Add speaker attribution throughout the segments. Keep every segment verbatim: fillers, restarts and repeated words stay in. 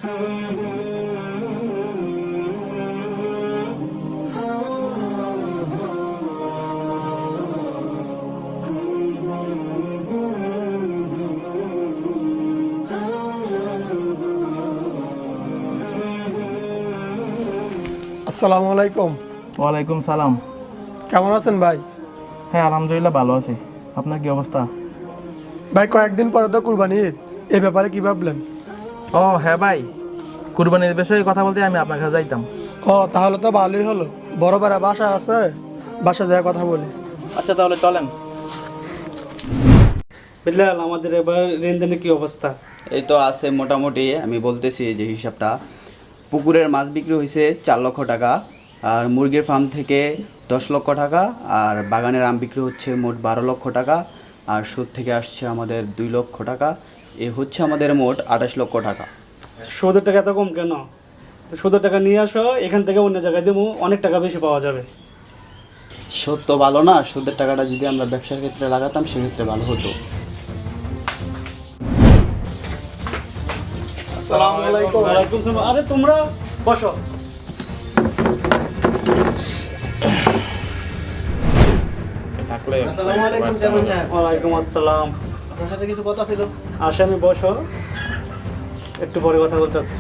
Speaker 1: আসসালামু আলাইকুম।
Speaker 2: ওয়ালাইকুম সালাম।
Speaker 1: কেমন আছেন ভাই?
Speaker 2: হ্যাঁ আলহামদুলিল্লাহ ভালো আছি। আপনার কি অবস্থা?
Speaker 1: ভাই কয়েকদিন পরে তো কুরবানি ঈদ, এই ব্যাপারে কি ভাবলেন?
Speaker 2: ও হ্যাঁ ভাই, কুরবানির বিষয়ে কথা বলতে আমি আপনার কাছে যাইতাম।
Speaker 1: ও তাহলে তো ভালোই হলো, বড় ভাইরা বাসা আছে, বাসা যায় কথা বলি।
Speaker 2: আচ্ছা তাহলে চলেন।
Speaker 3: বিল্লাল, আমাদের এবার লেনদেনের কি অবস্থা?
Speaker 4: এই তো আছে মোটামুটি। আমি বলতেছি যে হিসাবটা, পুকুরের মাছ বিক্রি হয়েছে চার লক্ষ টাকা, আর মুরগির ফার্ম থেকে দশ লক্ষ টাকা, আর বাগানের আম বিক্রি হচ্ছে মোট বারো লক্ষ টাকা, আর সুদ থেকে আসছে আমাদের দুই লক্ষ টাকা। এ হচ্ছে আমাদের মোট আঠাশ লক্ষ টাকা।
Speaker 3: সুদের টাকা এত কম কেন? সুদের টাকা নিয়ে আসো, এখান থেকে অন্য জায়গায় দেবো, অনেক টাকা বেশি পাওয়া যাবে।
Speaker 4: সুদ তো ভালো না, সুদের টাকাটা যদি আমরা ব্যবসার ক্ষেত্রে লাগাতাম সেক্ষেত্রে ভালো হতো।
Speaker 1: আসসালামু আলাইকুম।
Speaker 3: ওয়ালাইকুম সালাম। আরে তোমরা বসো।
Speaker 4: আসসালামু আলাইকুম চেয়ারম্যান সাহেব।
Speaker 3: ওয়ালাইকুম আসসালাম।
Speaker 4: আপনার সাথে কিছু কথা ছিল।
Speaker 3: আসামি বসো, একটু পরে কথা বলতেছি।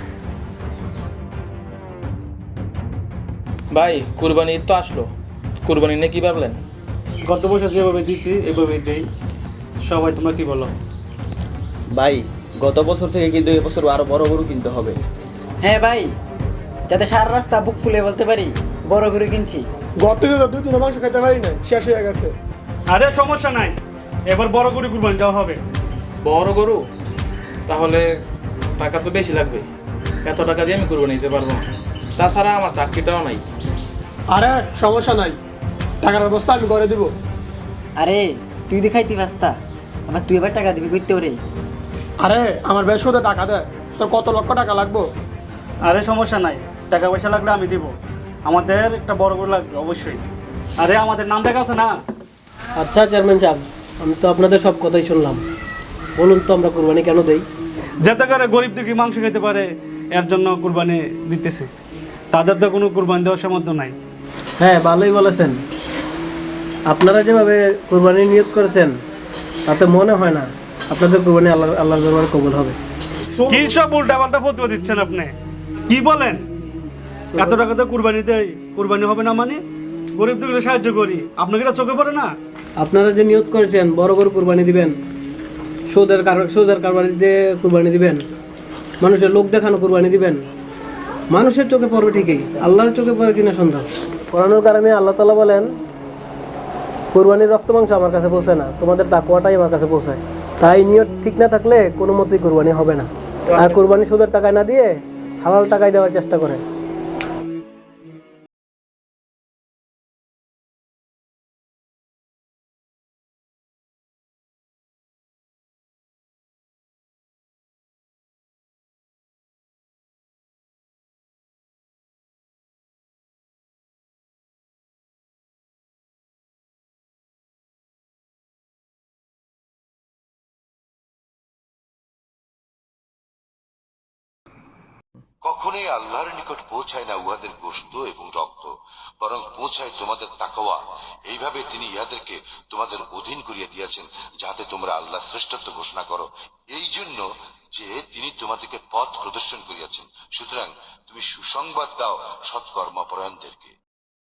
Speaker 2: ভাই কুরবানি ঈদ তো আসলো, কুরবানি নিয়ে কি ভাবলেন?
Speaker 3: গত বছর যেভাবে দিছি এভাবেই দেই। সবাই তোমরা কি বলো?
Speaker 4: ভাই গত বছর থেকে কিন্তু এবছর আরো বড় গরু কিনতে হবে।
Speaker 5: হ্যাঁ ভাই, যাতে সারা রাস্তা বুক ফুলে বলতে পারি বড় করে কিনছি।
Speaker 1: গত ঈদে তো দুই দিন মাংস খেতে পারি না, শেষ হয়ে গেছে।
Speaker 3: আরে সমস্যা নাই, এবার বড় করে কুরবানি দেওয়া হবে।
Speaker 2: বড় গরু? তাহলে টাকা তো বেশি লাগবে, এত টাকা দিয়ে আমি কুরবানি দিতে পারবো না। তাছাড়া আমার চাকরিটাও নাই।
Speaker 1: আরে সমস্যা নাই, টাকার ব্যবস্থা আমি করে দিব।
Speaker 5: আরে তুই দেখাইতি পাস্তা, আবার তুই এবার টাকা দিবি করতে ওরে।
Speaker 1: আরে আমার বেশ সুদে টাকা দেয়, তো কত লক্ষ টাকা লাগবো?
Speaker 3: আরে সমস্যা নাই, টাকা পয়সা লাগলে আমি দিব। আমাদের একটা বড় গরু লাগবে অবশ্যই। আরে আমাদের নাম দেখা আছে না?
Speaker 6: আচ্ছা চেয়ারম্যান সাহেব, আমি তো আপনাদের সব কথাই শুনলাম। বলুন তো আমরা কুরবানি কেন দেই?
Speaker 3: যাতে করে গরিব দুঃখী মাংস খেতে পারে, এর জন্য কুরবানি দিতেছে। তাদের তো কোনো কুরবানি দেওয়ার সামর্থ্য নাই।
Speaker 6: হ্যাঁ ভালোই বলেছেন। আপনারা যেভাবে কুরবানি নিয়োগ করেছেন তাতে মনে হয় না আপনাদের কুরবানি আল্লাহ আল্লাহর দরবারে কবুল হবে।
Speaker 3: কি সব উল্টা পাল্টা ফতোয়া দিচ্ছেন আপনি? কি বলেন? এত টাকা তো কুরবানি দেয়, কুরবানি হবে না মানে? গরিব দুঃখীদের সাহায্য করি, আপনাকে এটা চোখে পড়ে না?
Speaker 6: আপনারা যে নিয়োগ করেছেন বড় বড় কুরবানি দিবেন, সৌদের কার সৌদের কারবারি দিয়ে কুরবানি দিবেন, মানুষের লোক দেখানো কুরবানি দিবেন, মানুষের চোখে পড়বে ঠিকই, আল্লাহর চোখে পড়ে কিনা সন্দেহ। কোরআনুল কারিমে আল্লাহ তাআলা বলেন, কুরবানির রক্ত মাংস আমার কাছে পৌঁছায় না, তোমাদের তাকওয়াটাই আমার কাছে পৌঁছায়। তাই নিয়ত ঠিক না থাকলে কোনো মতেই কুরবানি হবে না। আর কুরবানি সুদের টাকায় না দিয়ে হালাল টাকায় দেওয়ার চেষ্টা করে।
Speaker 7: কখনোই আল্লাহর নিকট পৌঁছায় না উহাদের গোশত এবং রক্ত, বরং পৌঁছায় তোমাদের তাকওয়া। এইভাবে তিনি ইহাদেরকে তোমাদের অধীন করিয়া দিয়েছেন, যাহাতে তোমরা আল্লাহ শ্রেষ্ঠত্ব ঘোষণা করো, এই জন্য যে তিনি তোমাদেরকে পথ প্রদর্শন করিয়াছেন। সুতরাং তুমি সুসংবাদ দাও সৎকর্মপরায়ণদেরকে।